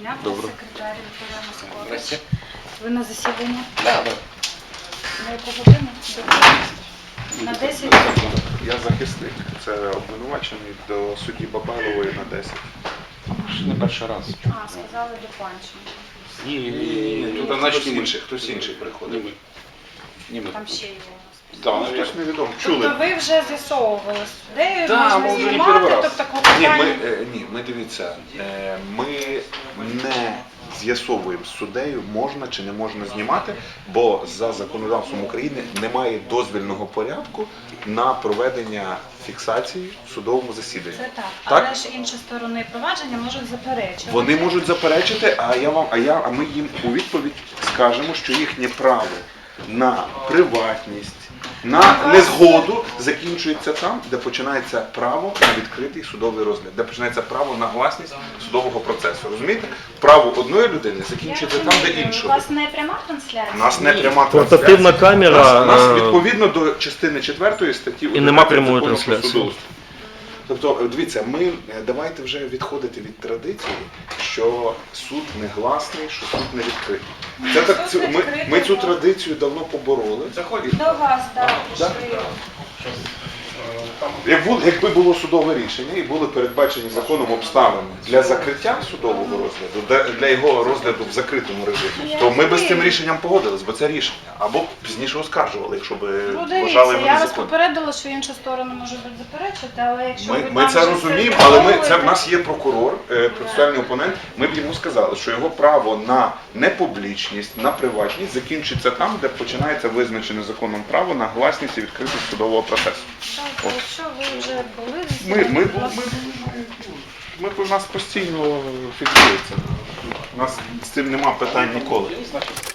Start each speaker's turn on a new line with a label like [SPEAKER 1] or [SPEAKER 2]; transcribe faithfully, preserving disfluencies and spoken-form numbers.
[SPEAKER 1] дня,
[SPEAKER 2] Добре.
[SPEAKER 1] секретар Вікторія Москова.
[SPEAKER 2] Здрасте.
[SPEAKER 1] Ви на засіданні?
[SPEAKER 2] Да, да.
[SPEAKER 1] На яку годину? До- На десять?
[SPEAKER 3] Я захисник, це обвинувачений до судді Бабайлової на десять.
[SPEAKER 2] Ще не перший раз.
[SPEAKER 1] А, сказали до Панченка.
[SPEAKER 2] Ні, ні,
[SPEAKER 3] Ні,
[SPEAKER 2] ні,
[SPEAKER 3] ні,
[SPEAKER 2] ні.
[SPEAKER 3] тут хтось інший, хтось інший приходив.
[SPEAKER 2] Ні, ми.
[SPEAKER 1] Там ще є у нас.
[SPEAKER 2] Да,
[SPEAKER 3] Ну,
[SPEAKER 2] навіть.
[SPEAKER 3] хтось невідомо.
[SPEAKER 1] Тобто
[SPEAKER 3] Чули?
[SPEAKER 1] ви вже з'ясовували з суддею,
[SPEAKER 2] Да, ми
[SPEAKER 1] можна
[SPEAKER 2] вже не
[SPEAKER 1] знімати,
[SPEAKER 2] перший раз.
[SPEAKER 1] тобто клопотання.
[SPEAKER 3] Ні, ми, е, ні, ми дивіться, е, ми не з'ясовуємо з суддею, можна чи не можна знімати, бо за законодавством України немає дозвільного порядку на проведення фіксації в судовому засіданні.
[SPEAKER 1] Це так.
[SPEAKER 3] Так?
[SPEAKER 1] Але ж інші сторони провадження можуть заперечити.
[SPEAKER 3] Вони можуть заперечити, а я вам, а я, а ми їм у відповідь скажемо, що їхнє право на приватність, на незгоду закінчується там, де починається право на відкритий судовий розгляд, де починається право на гласність судового процесу. Розумієте? Право одної людини закінчується там, де
[SPEAKER 1] У
[SPEAKER 3] іншої.
[SPEAKER 1] вас не пряма трансляція?
[SPEAKER 3] У нас не пряма
[SPEAKER 4] Портативна
[SPEAKER 3] трансляція.
[SPEAKER 4] камера,
[SPEAKER 3] У нас, у нас
[SPEAKER 4] е,
[SPEAKER 3] відповідно до частини четвертої статті
[SPEAKER 4] і нема
[SPEAKER 3] одинадцять
[SPEAKER 4] прямої
[SPEAKER 3] Закону про
[SPEAKER 4] трансляції.
[SPEAKER 3] судоустрій. Тобто, дивіться, ми е, давайте вже відходити від традиції, що суд не гласний, що суд не відкритий. Це
[SPEAKER 1] Суд
[SPEAKER 3] так, цю- ми,
[SPEAKER 1] відкритий,
[SPEAKER 3] ми цю
[SPEAKER 1] так.
[SPEAKER 3] традицію давно побороли.
[SPEAKER 2] Заходіть.
[SPEAKER 1] До вас, так,
[SPEAKER 3] Да?
[SPEAKER 1] пішли.
[SPEAKER 3] Як було- Якби було судове рішення і були передбачені законом обставини для закриття судового розгляду, для- для його розгляду в закритому режимі, то ми б з цим рішенням погодились, бо це рішення. Або пізніше оскаржували, якщо б
[SPEAKER 1] Ну,
[SPEAKER 3] вважали
[SPEAKER 1] дивіться,
[SPEAKER 3] його
[SPEAKER 1] я вас
[SPEAKER 3] незаконним.
[SPEAKER 1] попередила, що інша сторона може бути заперечити, але якщо
[SPEAKER 3] Ми,
[SPEAKER 1] ви
[SPEAKER 3] ми
[SPEAKER 1] там
[SPEAKER 3] це
[SPEAKER 1] вже
[SPEAKER 3] розуміємо, але ми, це в
[SPEAKER 1] з'ясовуєте-
[SPEAKER 3] нас є прокурор, е, процесуальний опонент. Ми б йому сказали, що його право на непублічність, на приватність закінчиться там, де починається визначене законом право на гласність і відкритість судового процесу.
[SPEAKER 1] Так, якщо ви вже були
[SPEAKER 3] Ми,
[SPEAKER 1] засіданні,
[SPEAKER 3] ми,
[SPEAKER 1] будь
[SPEAKER 3] ми,
[SPEAKER 1] ласка.
[SPEAKER 3] ми, ми, у нас постійно фіксується. У нас з цим нема питань ніколи.
[SPEAKER 2] Значить,